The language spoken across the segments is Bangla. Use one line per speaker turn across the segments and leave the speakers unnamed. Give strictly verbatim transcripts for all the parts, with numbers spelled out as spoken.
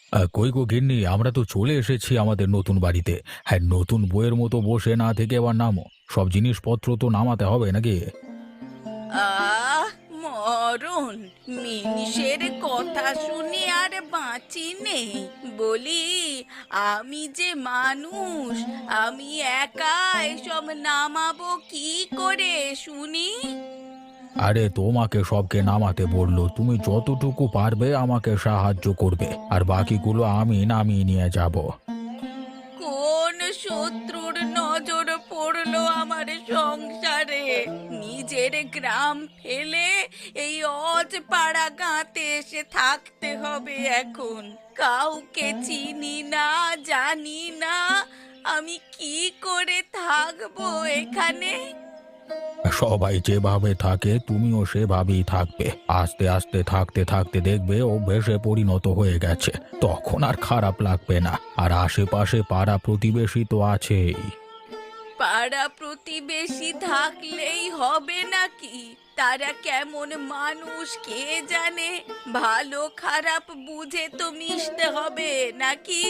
আ কই গো গিন্নি, আমরা তো চলে এসেছি আমাদের নতুন বাড়িতে। হ্যাঁ, নতুন বউয়ের মতো বসে না থেকে এবার নামো। সব জিনিসপত্র তো নামাতে হবে নাকি?
আহ মরণ, মিনিষের কথা শুনে আর বাঁচি নেই। বলি, আমি যে মানুষ, আমি একা এসব নামাবো কি করে শুনি?
আরে তোমাকে সবকে নামাতে বললো। তুমি যতটুকু পারবে আমাকে সাহায্য করবে। আর বাকিগুলো আমি নামিয়ে নিয়ে যাবো।
কোন শত্রুর নজর পড়লো আমার সংসারে? নিজের গ্রাম ফেলে এই অজপাড়া গাঁতে এসে থাকতে হবে এখন। কাউকে চিনি না, জানি না, আমি কি করে থাকবো এখানে?
সবাই যেভাবে থাকে তুমিও সেভাবেই থাকবে। আস্তে আস্তে থাকতে থাকতে দেখবে অভ্যেসে পরিণত হয়ে গেছে। তখন আর খারাপ লাগবে না। আর আশেপাশে পাড়া প্রতিবেশী তো আছেই।
পাড়া প্রতিবেশী থাকলেই হবে নাকি? তারা কেমন মানুষ কে জানে? ভালো খারাপ বুঝে তো মিশতে হবে নাকি?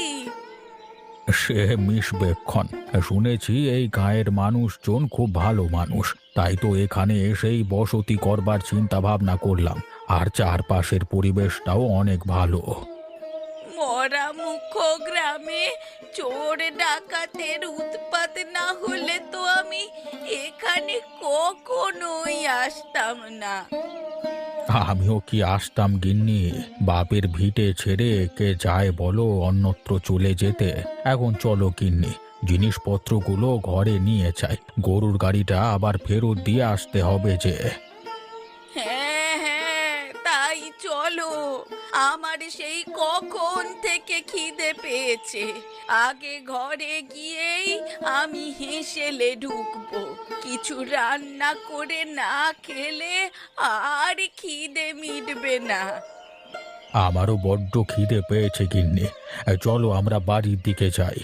সে মিশবেক্ষণ। শুনেছি এই গাঁয়ের মানুষজন খুব ভালো মানুষ। তাই তো এখানে এসেই বসতি করবার চিন্তা ভাবনা করলাম। আর চারপাশের পরিবেশটাও অনেক ভালো।
মরা মুখ গ্রামে চোর ডাকাতের উৎপাত না হলে তো আমি এখানে কখনোই আসতাম না।
আমিও কি আসতাম গিন্নি। বাপের ভিটে ছেড়ে কে যায় বলো অন্যত্র চলে যেতে। এখন চলো গিন্নি, জিনিসপত্রগুলো ঘরে নিয়ে যাই। গরুর গাড়িটা আবার ফেরত দিয়ে আসতে হবে যে।
হ্যাঁ হ্যাঁ, তাই চলো। আমার সেই কখন থেকে খিদে পেয়েছে। আগে ঘরে গিয়েই আমি হেসেলে ঢুকবো। কিছু রান্না করে না খেলে আর খিদে মিটবে না।
আমারও বড্ড খিদে পেয়েছে গিন্নি। চলো আমরা বাড়ির দিকে যাই।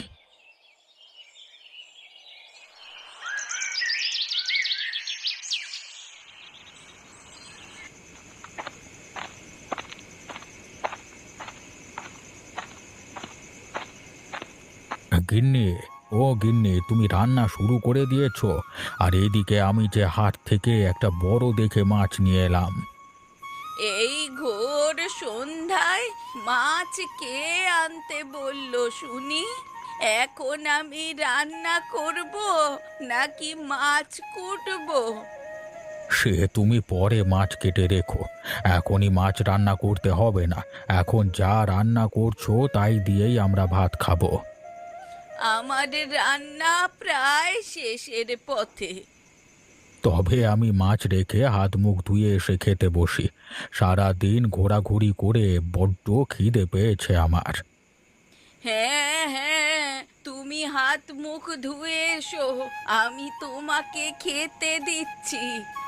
গিন্নি, ও গিন্নি, তুমি রান্না শুরু করে দিয়েছো? আর এদিকে আমি যে হাট থেকে একটা বড় দেখে মাছ নিয়ে এলাম।
এই ঘোর সন্ধ্যায় মাছ কে আনতে বললো শুনি? এখন আমি রান্না করব নাকি মাছ কুটবো?
সে তুমি পরে মাছ কেটে রেখো। এখনই মাছ রান্না করতে হবে না। এখন যা রান্না করছো তাই দিয়েই আমরা ভাত খাবো।
আমার রান্না প্রায় শেষের পথে।
তবে আমি মাছ রেখে হাত মুখ ধুয়ে এসে খেতে বসি। সারা দিন ঘোরাঘুরি করে বড্ড খিদে পেয়েছে আমার।
হ্যাঁ হ্যাঁ, তুমি হাত মুখ ধুয়ে এসো, আমি তোমাকে খেতে দিচ্ছি।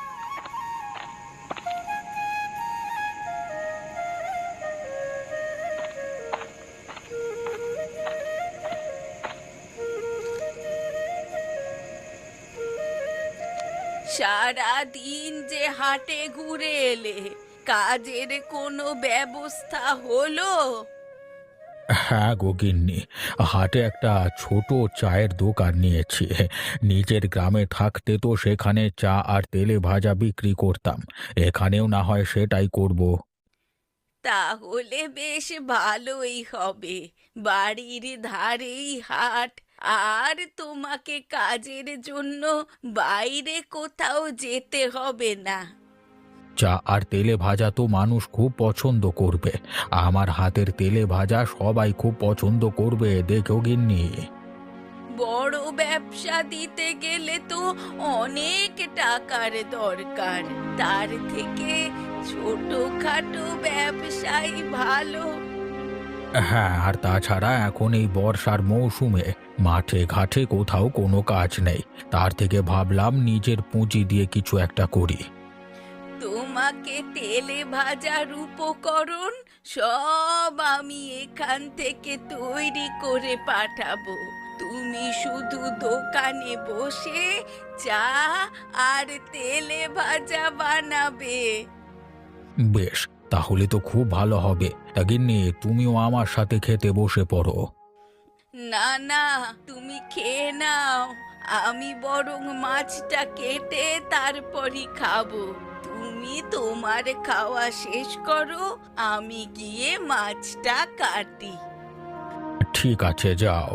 সারা দিন যে হাটে ঘুরে এলে, কাজের কোনো ব্যবস্থা হলো?
হ্যাঁ গো গিন্নি, হাটে একটা ছোট চায়ের দোকান নিয়েছি। নিজের গ্রামে থাকতে তো সেখানে চা আর তেলে ভাজা বিক্রি করতাম। এখানেও না হয় সেটাই করব।
তাহলে বেশ ভালোই হবে। বাড়ির ধারেই হাট, আর তোমাকে কাজের জন্য বাইরে কোথাও যেতে হবে না।
চা আর তেলে ভাজা তো মানুষ খুব পছন্দ করবে। আমার হাতের তেলে ভাজা সবাই খুব পছন্দ করবে, দেখো গিন্নি।
বড় ব্যবসা দিতে গেলে তো অনেক টাকার দরকার। তার থেকে ছোটখাটো ব্যবসাই ভালো।
হ্যাঁ, আর তাছাড়া এখন এই বর্ষার মৌসুমে মাঠে ঘাটে কোথাও কোনো কাজ নেই। তার থেকে ভাবলাম নিজের পুঁজি দিয়ে কিছু একটা করি।
তোমাকে তেলে ভাজার উপকরণ সব আমি এখান থেকে তৈরি করে পাঠাবো। তুমি শুধু দোকানে বসে চা আর তেলে ভাজা বানাবে।
বেশ, তাহলে তো খুব ভালো হবে। তা গিন্নি, তুমিও আমার সাথে খেতে বসে পড়ো।
না না, তুমি খেয়ে নাও। আমি বরং মাছটা কেটে তারপরই খাবো। তুমি তোমার খাওয়া শেষ করো, আমি গিয়ে মাছটা কাটি।
ঠিক আছে, যাও।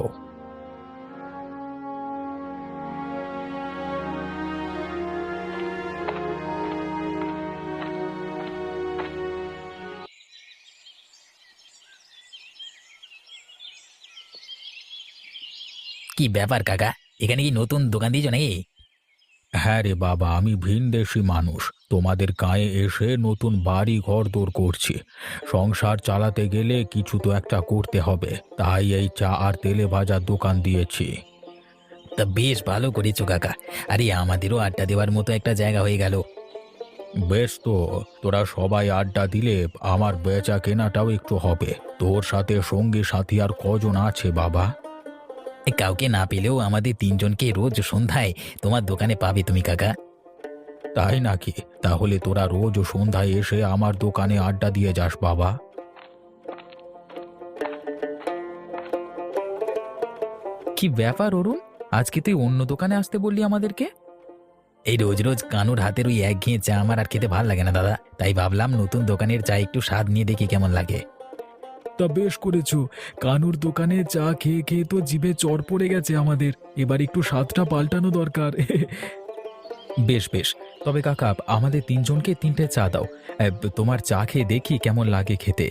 কি ব্যাপার কাকা? এখানে কি নতুন দোকান দিয়েছো নাকি?
হ্যাঁ রে বাবা, আমি ভিনদেশি মানুষ। তোমাদের গাঁয়ে এসে নতুন বাড়ি ঘরদোর করছি। সংসার চালাতে গেলে কিছু তো একটা করতে হবে, তাই এই চা আর তেলে ভাজার দোকান দিয়েছি।
তা বেশ ভালো করেছো কাকা। আরে আমাদেরও আড্ডা দেওয়ার মতো একটা জায়গা হয়ে গেল।
বেশ, তো তোরা সবাই আড্ডা দিলে আমার বেচা কেনাটাও একটু হবে। তোর সাথে সঙ্গী সাথী আর কজন আছে বাবা?
এ, কাউকে না পেলেও আমাদের তিনজনকে রোজ সন্ধ্যায় তোমার দোকানে পাবে তুমি কাকা।
তাই নাকি? তাহলে তোরা রোজ সন্ধ্যায় এসে আমার দোকানে আড্ডা দিয়ে যাস বাবা।
কি ব্যাপার অরুণ, আজকে তুই অন্য দোকানে আসতে বললি আমাদেরকে? এই রোজ রোজ কানুর হাতের ওই একঘেয়ে চা আমার আর খেতে ভাল লাগে না দাদা, তাই ভাবলাম নতুন দোকানের চা একটু স্বাদ নিয়ে দেখি কেমন লাগে।
তা বেশ করেছো। কানুর দোকানে চা খেয়ে খেয়ে তো জিভে চড় পড়ে গেছে আমাদের। এবার একটু স্বাদটা পাল্টানো দরকার।
বেশ বেশ, তবে কাকা আমাদের তিনজনকে তিনটে চা দাও। এ, তোমার চা খেয়ে দেখি কেমন লাগে খেতে।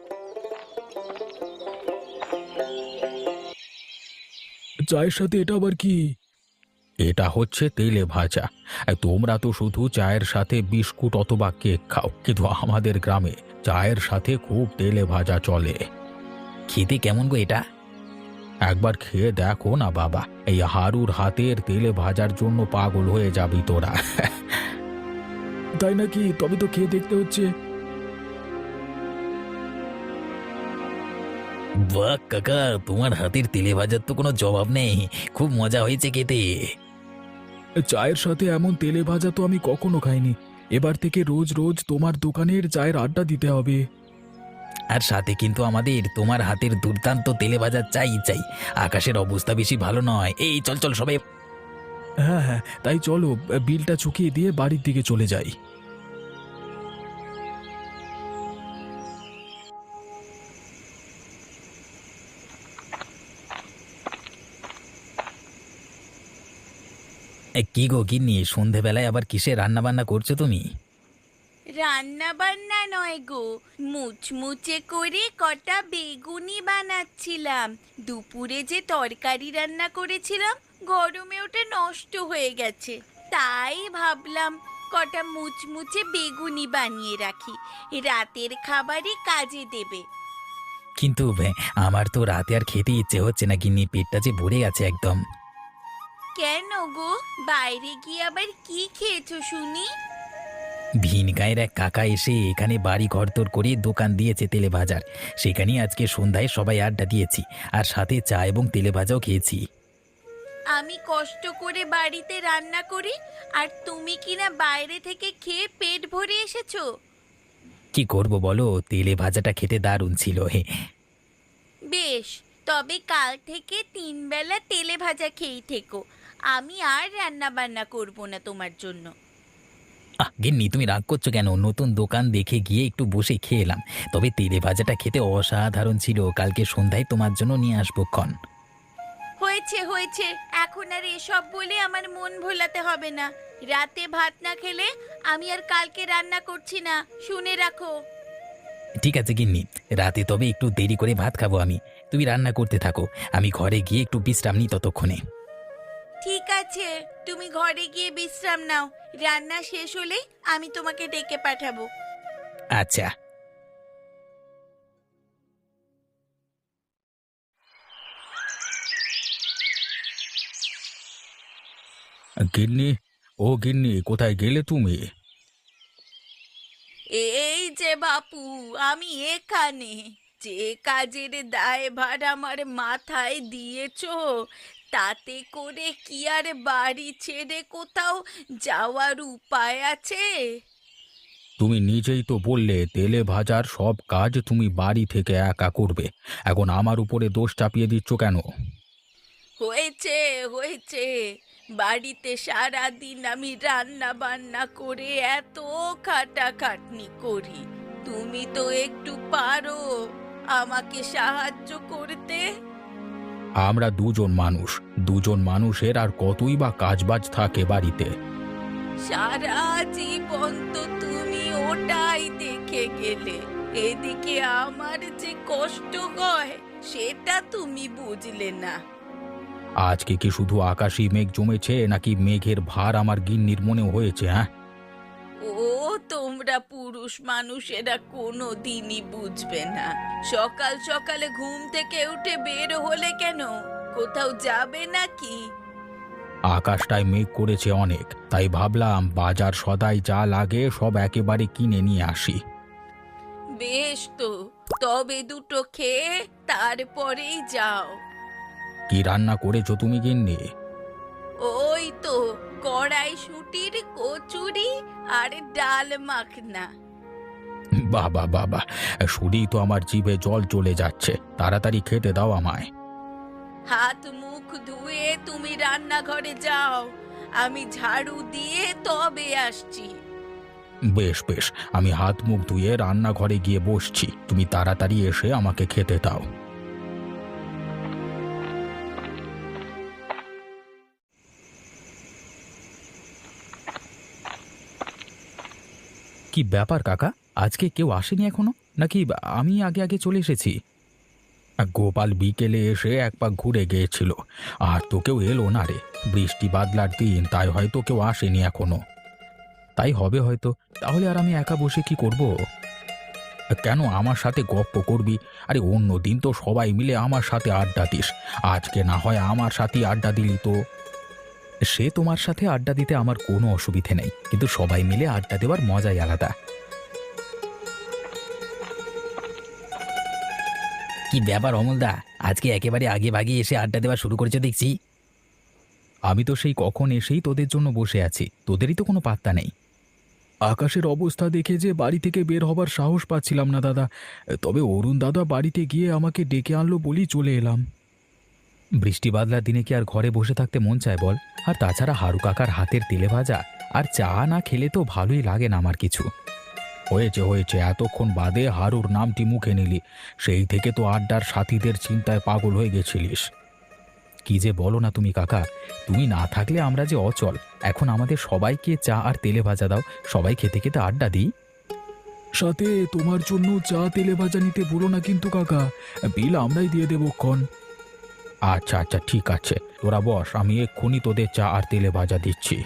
চায়ের সাথে এটা আবার কি?
এটা হচ্ছে তেলে ভাজা। এ, তোমরা তো শুধু চায়ের সাথে বিস্কুট অথবা কেক খাও, কিন্তু আমাদের গ্রামে চায়ের সাথে খুব তেলে ভাজা চলে।
খেতে কেমন গো এটা?
একবার খেয়ে দেখো না বাবা, এই হারুর হাতের তেলে ভাজার জন্য পাগল হয়ে যাবি তোরা।
তাই নাকি? তবে তো খেয়ে দেখতে হচ্ছে।
বাহ কাকা, তোমার হাতের তেলে ভাজার তো কোনো জবাব নেই। খুব মজা হয়েছে খেতে।
চায়ের সাথে এমন তেলে ভাজা তো আমি কখনো খাইনি। এবার থেকে রোজ রোজ তোমার দোকানের চায়ের আড্ডা দিতে হবে।
আর সাথে কিন্তু আমাদের তোমার হাতের দুর্দান্ত তেলে ভাজা চাই চাই। আকাশের অবস্থা বেশি ভালো নয়। এই চল চল সবাই।
হ্যাঁ হ্যাঁ, তাই চলো বিলটা চুকিয়ে দিয়ে বাড়ির দিকে চলে যাই।
এ, কি গো গিন্নি, সন্ধেবেলায় আবার কিসে রান্না বান্না করছো তুমি?
রান্না বান্না নয় গো, মুচমুচে করে কটা বেগুনি বানাচ্ছিলাম। দুপুরে যে তরকারি রান্না করেছিলাম, গরমে ওটা নষ্ট হয়ে গেছে। তাই ভাবলাম কটা মুচমুচে বেগুনি বানিয়ে রাখি, রাতের খাবারই কাজে দেবে।
কিন্তু এ, আমার তো রাতে আর খেতে ইচ্ছে হচ্ছে না গিন্নি, পেটটা যে ভরে গেছে একদম।
কেন গো, বাইরে গিয়ে আবার কি খেয়েছো শুনি?
ভিন গাঁয়ের এক কাকা এসে এখানে বাড়ি ঘরদোর করে দোকান দিয়েছে তেলে ভাজার। সেখানেই আজকে সন্ধ্যায় সবাই আড্ডা দিয়েছি, আর সাথে চা এবং তেলে ভাজাও খেয়েছি।
আমি কষ্ট করে বাড়িতে রান্না করি, আর তুমি কিনা বাইরে থেকে খেয়ে পেট ভরে এসেছো।
কি করব বলো, তেলে ভাজাটা খেতে দারুণ ছিল। হে,
বেশ, তবে কাল থেকে তিন বেলা তেলে ভাজা খেয়েই থেকো। আমি আর রান্না বান্না করব না তোমার জন্য।
আহ গিন্নি, তুমি রাগ করছো কেন? নতুন দোকান দেখে গিয়ে একটু বসে খেয়ে এলাম। তবে তেলে ভাজাটা খেতে অসাধারণ ছিল। কালকে সন্ধ্যায় তোমার জন্য নিয়ে আসবো ক্ষণ।
হয়েছে হয়েছে, এখন আর এসব বলে আমার মন ভোলাতে হবে না। রাতে ভাত না খেলে আমি আর কালকে রান্না করছি না, শুনে রাখো।
ঠিক আছে গিন্নি, রাতে তবে একটু দেরি করে ভাত খাবো আমি। তুমি রান্না করতে থাকো, আমি ঘরে গিয়ে একটু বিশ্রাম নিই ততক্ষণে।
ঠিক আছে, তুমি ঘরে গিয়ে বিশ্রাম নাও। রান্না শেষ হলেই আমি তোমাকে ডেকে পাঠাবো।
আচ্ছা।
গিন্নি, ও গিন্নি, কোথায় গেলে তুমি?
এই যে বাপু, আমি এখানে। যে কাজের দায়ভার আমার মাথায় দিয়েছো, তাতে করে কি আর বাড়ি ছেড়ে কোথাও যাওয়ার উপায় আছে?
তুমি নিজেই তো বললে তেলে ভাজার সব কাজ তুমি বাড়ি থেকে একা করবে। এখন আমার উপরে দোষ চাপিয়ে দিচ্ছ কেন?
হয়েছে হয়েছে, বাড়িতে সারা দিন আমি রান্না বান্না করে এত খাটাখাটনি করি, তুমি তো একটু পারো আমাকে সাহায্য করতে।
আমরা দুজন মানুষ, দুজন মানুষের আর কতই বা কাজবাজ থাকে বাড়িতে।
সারা জীবন তো তুমি ওটাই দেখে গেলে, এদিকে আমার যে কষ্ট হয় সেটা তুমি বুঝলে না।
আজকে কি শুধু আকাশি মেঘ জমেছে নাকি মেঘের ভার আমার গিন্নির মনে হয়েছে? হ্যাঁ,
ও তোমরা পুরুষ মানুষেরা কোনো দিনই বুঝবে না। সকাল সকালে ঘুম থেকে উঠে বের হলে কেন, কোথাও যাবে নাকি?
আকাশটায় মেঘ করেছে অনেক, তাই ভাবলাম বাজার সদাই যা লাগে সব একেবারে কিনে নিয়ে আসি।
বেশ তো, তবে দুটো খেয়ে তারপরেই যাও।
কি রান্না করেছো তুমি গিন্নি?
ওই তো কড়াইশুঁটির কচুরি আর ডাল মাখনা।
বাবা বাবা, শুধুই তো আমার জিভে জল চলে যাচ্ছে, তাড়াতাড়ি খেতে দাও আমায়।
হাত মুখ ধুয়ে তুমি রান্নাঘরে যাও, আমি ঝাড়ু দিয়ে তবে আসছি।
বেশ বেশ, আমি হাত মুখ ধুয়ে রান্নাঘরে গিয়ে বসছি, তুমি তাড়াতাড়ি এসে আমাকে খেতে দাও। কি ব্যাপার কাকা, আজকে কেউ আসেনি এখনো, নাকি আমি আগে আগে চলে এসেছি? গোপাল বিকেলে এসে এক পাক ঘুরে গিয়েছিল, আর তো কেউ এলো না রে। বৃষ্টি বাদলার দিন, তাই হয়তো কেউ আসেনি এখনো। তাই হবে হয়তো। তাহলে আর আমি একা বসে কি করব? কেন আমার সাথে গপ্প করবি? আরে অন্য দিন তো সবাই মিলে আমার সাথে আড্ডা দিস, আজকে না হয় আমার সাথে আড্ডা দিলি তো। সে তোমার সাথে আড্ডা দিতে আমার কোনো অসুবিধে নেই, কিন্তু সবাই মিলে আড্ডা দেওয়ার মজাই আলাদা।
কি ব্যাপার অমলদা, আজকে একেবারে আগে ভাগে এসে আড্ডা দেওয়া শুরু করেছে দেখছি।
আমি তো সেই কখন এসেই তোদের জন্য বসে আছি, তোদেরই তো কোনো পাত্তা নেই।
আকাশের অবস্থা দেখে যে বাড়ি থেকে বের হবার সাহস পাচ্ছিলাম না দাদা, তবে অরুণ দাদা বাড়িতে গিয়ে আমাকে ডেকে আনলো বলেই চলে এলাম।
বৃষ্টি বাদলার দিনে কি আর ঘরে বসে থাকতে মন চায় বল? আর তাছাড়া হারু কাকার হাতের তেলে ভাজা আর চা না খেলে তো ভালোই লাগে না আমার কিছু। হয়েছে হয়েছে, এতক্ষণ বাদে হারুর নামটি মুখে নিলি, সেই থেকে তো আড্ডার সাথীদের চিন্তায় পাগল হয়ে গেছিলিস। কি যে বলো না তুমি কাকা, তুমি না থাকলে আমরা যে অচল। এখন আমাদের সবাইকে চা আর তেলে ভাজা দাও, সবাই খেতে খেতে আড্ডা দিই।
সাথে তোমার জন্য চা তেলে ভাজা নিতে বলো না কিন্তু কাকা, বিল আমরাই দিয়ে দেবো ক্ষণ।
আচ্ছা আচ্ছা ঠিক আছে, তোরা বস, আমি এক্ষুনি তোদের চা আর তেলে ভাজা দিচ্ছি।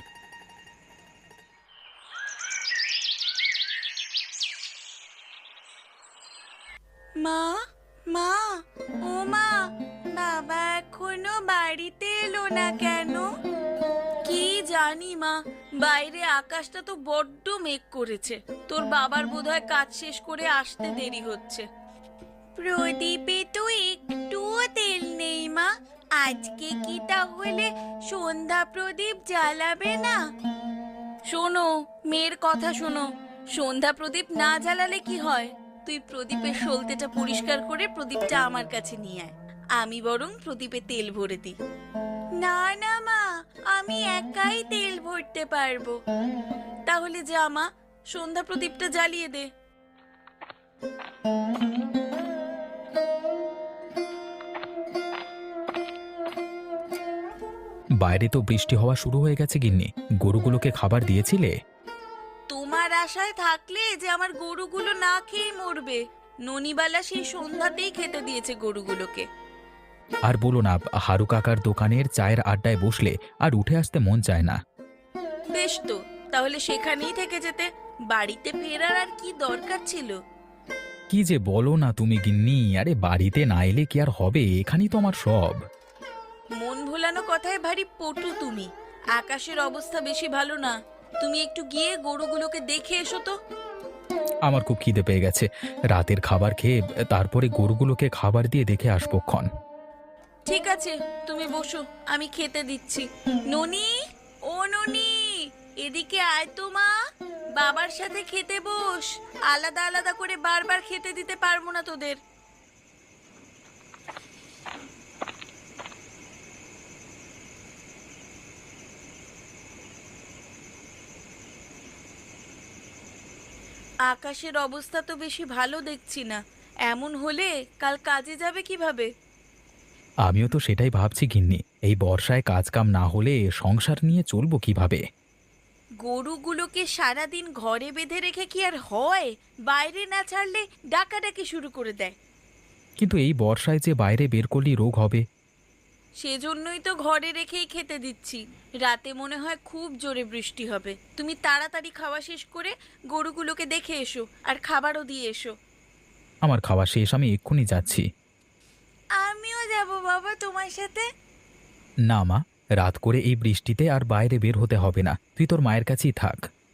মা, মা, ও মা, বাবা এখনো বাড়িতে এলো না কেন? কি জানি মা, বাইরে আকাশটা তো বড্ড মেঘ করেছে, তোর বাবার বোধহয় কাজ শেষ করে আসতে দেরি হচ্ছে। প্রদীপে তো একটুও তেল নেই মা, আজকে কি তাহলে সন্ধ্যা প্রদীপ জ্বালাবে না? শোনো, মেয়ের কথা শোনো, সন্ধ্যা প্রদীপ না জ্বালালে কি হয়? তুই প্রদীপের সলতেটা পরিষ্কার করে প্রদীপটা আমার কাছে নিয়ে আয়, আমি বরং প্রদীপে তেল ভরে দিই। না না মা, আমি একাই তেল ভরতে পারবো। তাহলে যা মা, সন্ধ্যা প্রদীপটা জ্বালিয়ে দে।
বাইরে তো বৃষ্টি হওয়া শুরু হয়ে গেছে গিন্নি, গরুগুলোকে খাবার দিয়েছিলে?
তোমার আশায় থাকলে যে আমার গরুগুলো না খেয়ে মরবে, ননিবালা সেই সন্ধ্যাতেই খেতে দিয়েছে গরুগুলোকে।
আর বলো না, হারু কাকার দোকানের চায়ের আড্ডায় বসলে আর উঠে আসতে মন চায় না।
বেশ তো, তাহলে সেখানেই থেকে যেতে, বাড়িতে ফেরার আর কি দরকার ছিল?
কি যে বলো না তুমি গিন্নি, আরে বাড়িতে না এলে কি আর হবে, এখানেই তো আমার সব।
মন ভোলানো কথায় ভারী পটু তুমি। আকাশের অবস্থা বেশি ভালো না, তুমি একটু গিয়ে গরুগুলোকে দেখে এসো তো।
আমার খুব খিদে পেয়ে গেছে, রাতের খাবার খেয়ে তারপরে গরুগুলোকে খাবার দিয়ে দেখে আসবো ক্ষণ।
ঠিক আছে, তুমি বসো, আমি খেতে দিচ্ছি। ননি, ও ননি, এদিকে আয় তো মা, বাবার সাথে খেতে বস। আলাদা আলাদা করে বারবার খেতে দিতে পারবো না তোদের। আকাশের অবস্থা তো বেশি ভালো দেখছি না। এমন হলে কাল কাজে যাবে কিভাবে?
আমিও তো সেটাই ভাবছি গিন্নি, এই বর্ষায় কাজ কাম না হলে সংসার নিয়ে চলবো কিভাবে?
গরুগুলোকে সারাদিন ঘরে বেঁধে রেখে কি আর হয়? বাইরে না ছাড়লে ডাকাডাকি শুরু করে দেয়।
কিন্তু এই বর্ষায় যে বাইরে বের করলেই রোগ হবে।
সেজন্যই তো ঘরে রেখেই খেতে দিচ্ছি। রাতে মনে হয় খুব জোরে বৃষ্টি হবে। তুমি তাড়াতাড়ি খাওয়া শেষ করে গরুগুলোকে দেখে এসো, আর খাবারও দিয়ে এসো।
আমার খাওয়া শেষ, আমি এক্ষুনি যাচ্ছি।
আমিও যাব বাবা তোমার সাথে।
না মা, রাত করে এই বৃষ্টিতে আর বাইরে বের হতে হবে না, তুই তোর মায়ের কাছেই থাক।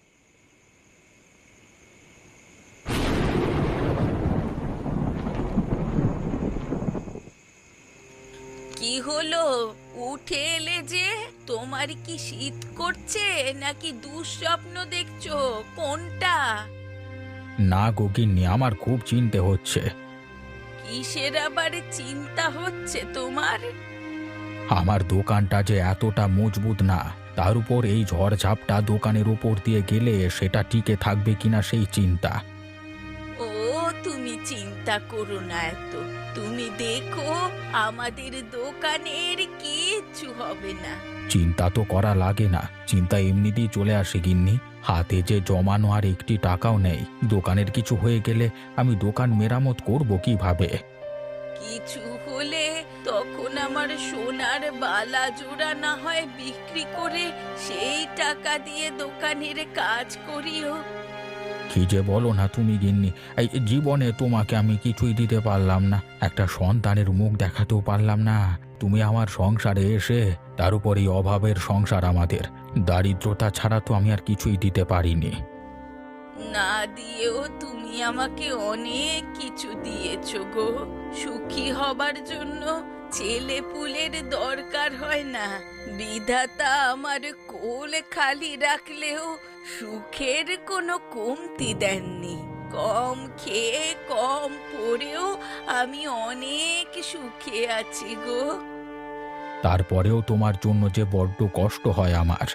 কি হলো, উঠে এলে যে? তোমার কি শীত করছে নাকি দুঃস্বপ্ন দেখছো? কোনটা?
না গো গিন্নি, আমার খুব চিন্তা হচ্ছে।
কিসের আবার চিন্তা হচ্ছে তোমার?
আমার দোকানটা যে এতটা মজবুত না, তার উপর এই ঝড়ঝাপটা দোকানের উপর দিয়ে গেলে সেটা টিকে থাকবে কিনা সেই চিন্তা।
ও, তুমি চিন্তা করো না এত। তুমি দেখো, আমাদের দোকানের কিচ্ছু হবে না।
চিন্তা তো করা লাগে না, চিন্তা এমনিতেই চলে আসে গিন্নি। হাতে যে জমানো আর একটি টাকাও নেই, দোকানের কিছু হয়ে গেলে আমি দোকান মেরামত করব কিভাবে?
কিছু হলে তখন আমার সোনার বালা জোড়া না হয় বিক্রি করে সেই টাকা দিয়ে দোকানের কাজ করিও।
কি যে বলো না তুমি গিন্নি, এই জীবনে তোমাকে আমি কিছুই দিতে পারলাম না, একটা সন্তানের মুখ দেখাতেও পারলাম না। তুমি আমার সংসারে এসে, তার উপর এই অভাবের সংসার আমাদের, দারিদ্রতা ছাড়া তো আমি আর কিছুই দিতে পারিনি।
না দিয়েও তুমি আমাকে অনেক কিছু দিয়েছো গো। সুখী হবার জন্য ছেলে পুলের দরকার হয় না। বিধাতা আমার কোল খালি রাখলেও সুখের কোনো কমতি দেননি। কম খেয়ে কম পড়েও আমি অনেক সুখে আছি গো।
তারপরেও তোমার জন্য যে বড্ড কষ্ট হয় আমার।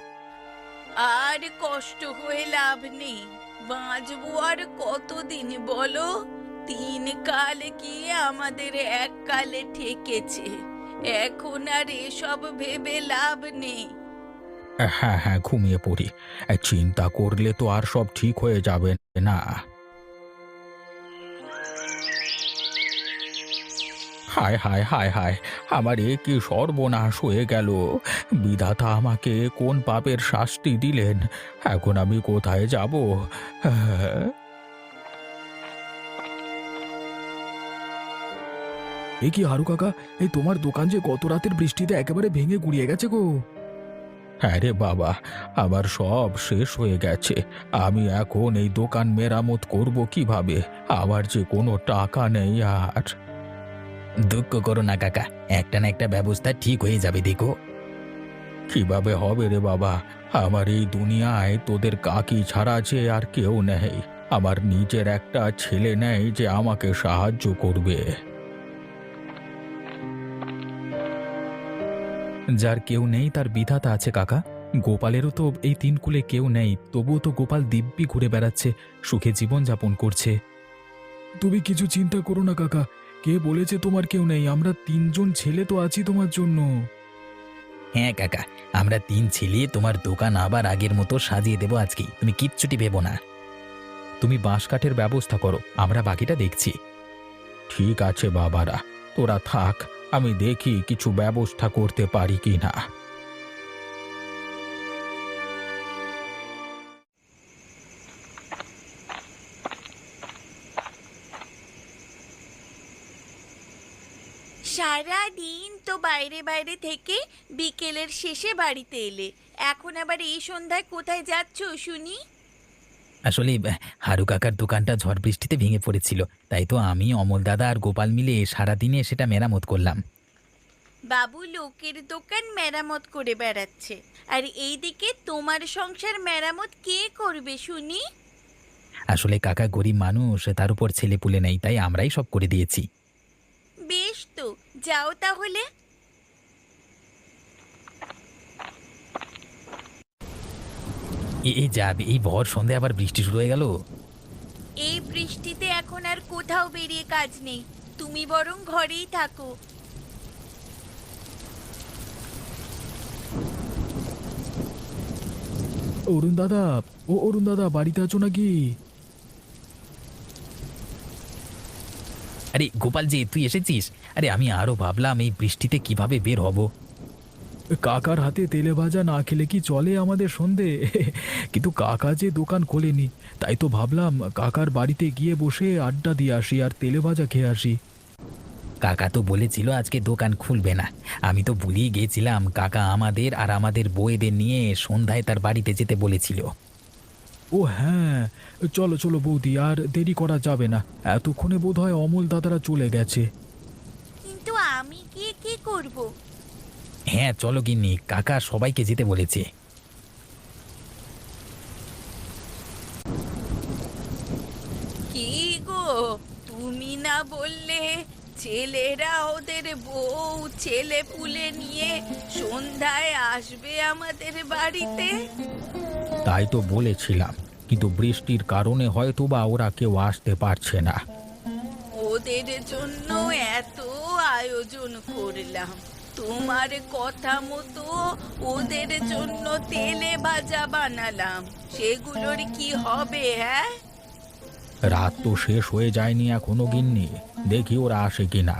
আর কষ্ট হয়ে লাভ নেই। বাঁচবো আর কতদিন বলো? তিন কাল গিয়ে আমাদের এক কালে ঠেকেছে। এখন আর এসব ভেবে লাভ নেই।
হ্যাঁ হ্যাঁ, ঘুমিয়ে পড়ি। চিন্তা করলে তো আর সব ঠিক হয়ে যাবে না। হায় হায় হায় হায়, আমার এ কি সর্বনাশ হয়ে গেল! বিধাতা আমাকে কোন পাপের শাস্তি দিলেন! এখন আমি কোথায় যাব? হ্যাঁ।
এ কি হারু কাকা, এই তোমার দোকান যে গত রাতের বৃষ্টিতে একেবারে ভেঙে গুড়িয়ে গেছে গো।
হ্যাঁ রে বাবা, আমার সব শেষ হয়ে গেছে। আমি এখন এই দোকান মেরামত করব কিভাবে? আমার যে কোনো টাকা নেই আর।
দুঃখ করো না কাকা, একটা না একটা ব্যবস্থা ঠিক হয়ে যাবে, দেখো।
কিভাবে হবে রে বাবা? আমার এই দুনিয়ায় তোদের কাকি ছাড়া যে আর কেউ নেই। আমার নিজের একটা ছেলে নেই যে আমাকে সাহায্য করবে।
যার কেউ নেই তার বিধাতা আছে কাকা। গোপালেরও তো এই তিন কুলে কেউ নেই, তবুও তো গোপাল দিব্যি ঘুরে বেড়াচ্ছে, সুখে জীবন যাপন করছে।
তুমি কিছু চিন্তা করো না কাকা, কে বলেছে তোমার কেউ নেই? আমরা তিনজন ছেলে তো আছি তোমার জন্য।
হ্যাঁ কাকা, আমরা তিন ছেলে তোমার দোকান আবার আগের মতো সাজিয়ে দেবো আজকেই, তুমি কিচ্ছুটি ভেবো না। তুমি বাঁশ কাঠের ব্যবস্থা করো, আমরা বাকিটা দেখছি।
ঠিক আছে বাবারা, তোরা থাক, আমি দেখি কিছু ব্যবস্থা করতে পারি কি না।
সারা দিন তো বাইরে বাইরে থেকে বিকেলের শেষে বাড়িতে এলে, এখন আবার এই সন্ধ্যায় কোথায় যাচ্ছ শুনি?
আসলে আহ, হারু কাকার দোকানটা ঝড় বৃষ্টিতে ভেঙে পড়েছিল, তাই তো আমি, অমল দাদা আর গোপাল মিলে সারাদিনে সেটা মেরামত করলাম।
বাবু লোকের দোকান মেরামত করে বেড়াচ্ছে, আর এইদিকে তোমার সংসার মেরামত কে করবে শুনি?
আসলে কাকা গরিব মানুষ, তার উপর ছেলে পুলে নেই, তাই আমরাই সব করে দিয়েছি।
বেশ তো, যাও তাহলে।
এ- এই যাবে, এই ভর সন্ধে আবার বৃষ্টি শুরু হয়ে গেল।
এই বৃষ্টিতে এখন আর কোথাও বেরিয়ে কাজ নেই, তুমি বরং ঘরেই থাকো।
অরুণ দাদা, ও অরুণ দাদা, বাড়িতে আছো নাকি?
আরে গোপাল যে, তুই এসেছিস? আরে আমি আরো ভাবলাম এই বৃষ্টিতে কিভাবে বের হব।
কাকার হাতে তেলে ভাজা না খেলে কি চলে আমাদের সন্ধে? কিন্তু কাকা যে দোকান খোলেনি, তাই তো ভাবলাম কাকার বাড়িতে গিয়ে বসে আড্ডা দিয়ে আসি আর তেলে ভাজা খেয়ে আসি।
কাকা তো বলেছিল আজকে দোকান খুলবে না। আমি তো ভুলিয়ে গিয়েছিলাম, কাকা আমাদের আর আমাদের বউয়েদের নিয়ে সন্ধ্যায় তার বাড়িতে যেতে বলেছিল।
ও হ্যাঁ, চলো চলো বৌদি, আর দেরি করা যাবে না। এতক্ষণে বোধহয় অমল দাদারা চলে গেছে।
কিন্তু আমি গিয়ে কি করব?
হ্যাঁ চলো গিন্নি, কাকা সবাইকে যেতে বলেছে।
কি গো, তুমি না বললে ছেলেরা ওদের বউ ছেলে পুলে নিয়ে সন্ধ্যায় আসবে আমাদের বাড়িতে?
তাই তো বলেছিলাম, কিন্তু বৃষ্টির কারণে হয়তো বা ওরা কেউ আসতে পারছে না।
ওদের জন্য এত আয়োজন করলাম, তোমার কথা মতো ওদের জন্য তেলে ভাজা বানালাম, সেগুলোর কি হবে? হ্যাঁ,
রাত তো শেষ হয়ে যায়নি এখনো গিন্নি, দেখি ওরা আসে কিনা।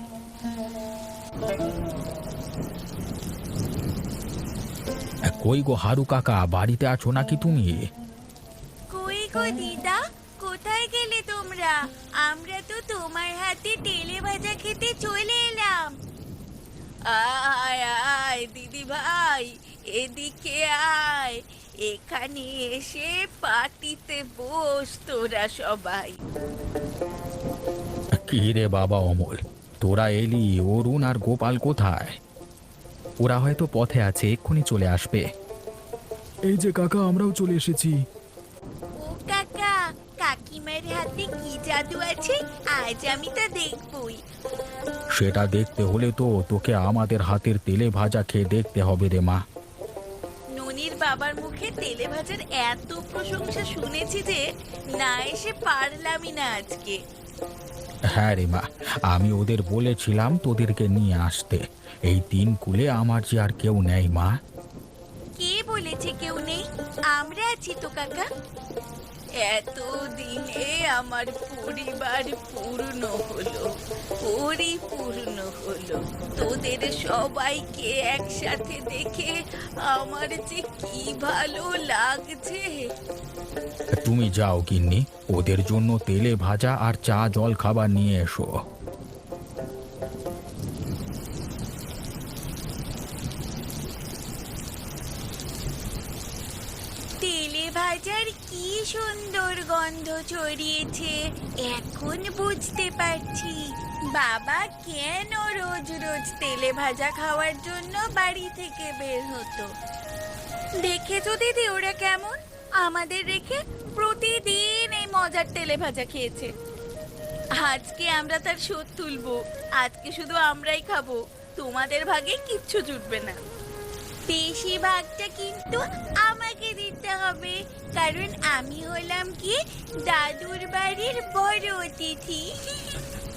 কই গো হারু কাকা, বাড়িতে আছো নাকি তুমি?
কই গো দিদা, কোথায় গেলে তোমরা? আমরা তো তোমার হাতে তেলে ভাজা খেতে চলে এলাম। আয় আয় দিদি ভাই, এদিকে আয়, এখানে এসে পার্টিতে বস তোরা সবাই।
কি রে বাবা অমল, তোরা এলি, অরুণ আর গোপাল কোথায়?
ওরা হয়তো পথে আছে, এক্ষুনি চলে আসবে।
এই যে কাকা, আমরাও চলে এসেছি।
ও কাকা, কাকিমার হাতে কি জাদু আছে, আজ আমি তা দেখবই।
সেটা দেখতে হলে তো তোকে আমাদের হাতের তেলে ভাজা খেয়ে দেখতে হবে রে মা।
ননির বাবার মুখে তেলে ভাজার এত প্রশংসা শুনেছি যে না এসে পারলামই না আজকে।
হ্যাঁ রে মা, আমি ওদের বলেছিলাম তোদেরকে নিয়ে আসতে। এই তিন কুলে আমার যে আর কেউ নেই মা।
কে বলেছে কেউ নেই? আমরা আছি তো কাকা। এত দিনে আমার পরিবার পূর্ণ হলো, পরিপূর্ণ হলো। তোদের সবাইকে একসাথে দেখে আমার যে কি ভালো লাগছে।
তুমি যাও গিন্নি, ওদের জন্য তেলে ভাজা আর চা জল খাবার নিয়ে এসো।
তেলে ভাজার কি সুন্দর গন্ধ ছড়িয়েছে, এখন বুঝতে পারছি বাবা কেন রোজ রোজ তেলে ভাজা খাওয়ার জন্য বাড়ি থেকে বের হতো। দেখেছো দিদি ওরা কেমন আমাদের রেখে প্রতিদিন এই মজার তেলে ভাজা খেয়েছে। আজকে আমরা তার শোধ তুলবো, আজকে শুধু আমরাই খাবো, তোমাদের ভাগে কিচ্ছু জুটবে না। বেশিরভাগটা কিন্তু আমাকে দিতে হবে, কারণ আমি হলাম কি দাদুর বাড়ির বড় অতিথি।